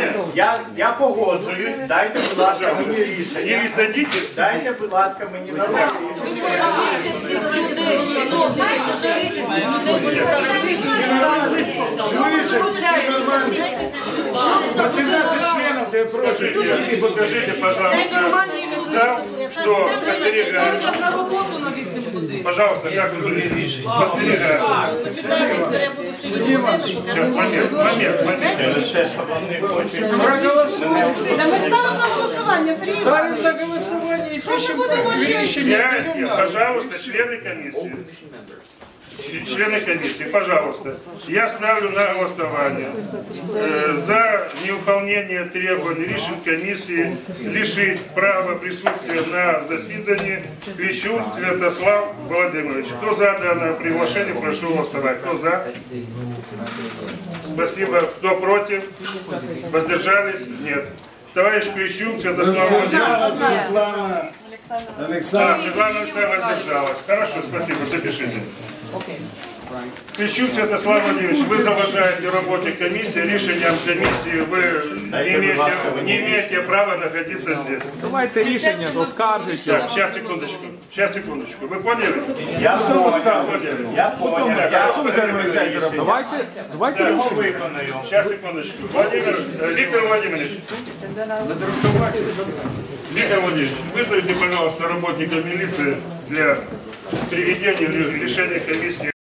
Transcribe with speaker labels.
Speaker 1: Дивіться, я погоджуюсь, дайте, будь ласка, мені рішення.
Speaker 2: Или садитесь.
Speaker 1: Дайте, будь ласка, мені нормальне рішення.
Speaker 3: Пожалійте цих людей, пожалійте цих людей, вони завжди
Speaker 4: По 17 членов, да просят.
Speaker 2: Покажите, пожалуйста,
Speaker 3: ненормальні люди.
Speaker 2: что постерегают.
Speaker 3: Як на роботу на 8 годин.
Speaker 2: Пожалуйста, как вы заведите? Постерегают.
Speaker 3: Почитайте, я буду сидіти.
Speaker 2: Сейчас, момент.
Speaker 1: Через те, що вони хочуть.
Speaker 4: Проголосуем.
Speaker 5: Та ми ставимо на голосування, Сергій.
Speaker 4: Ставим на голосование и пишем решение.
Speaker 2: Сядьте, пожалуйста, члены комиссии. Члены комиссии, пожалуйста. Я ставлю на голосование за невыполнение требований решен комиссии лишить права присутствия на заседании Кличук Святослав Владимирович. Кто за данное приглашение, прошу голосовать. Кто за? Спасибо. Кто против? Воздержались? Нет. Товарищ Кличук Святослав Владимирович.
Speaker 4: Светлана Александровна.
Speaker 2: Светлана Александровна воздержалась. Хорошо, спасибо. Запишите. Кличук Святослав Владимирович, вы заважаете работе комиссии, решением комиссии вы не имеете права находиться здесь.
Speaker 6: Давайте рішення, оскаржуйте.
Speaker 2: Так, сейчас, секундочку. Вы поняли?
Speaker 1: Я понял. Я понял.
Speaker 6: Давайте
Speaker 1: Я
Speaker 6: рішення.
Speaker 1: виконую.
Speaker 2: Сейчас, секундочку. Виктор Владимирович, вызовите, пожалуйста, работника милиции для приведения решения комиссии.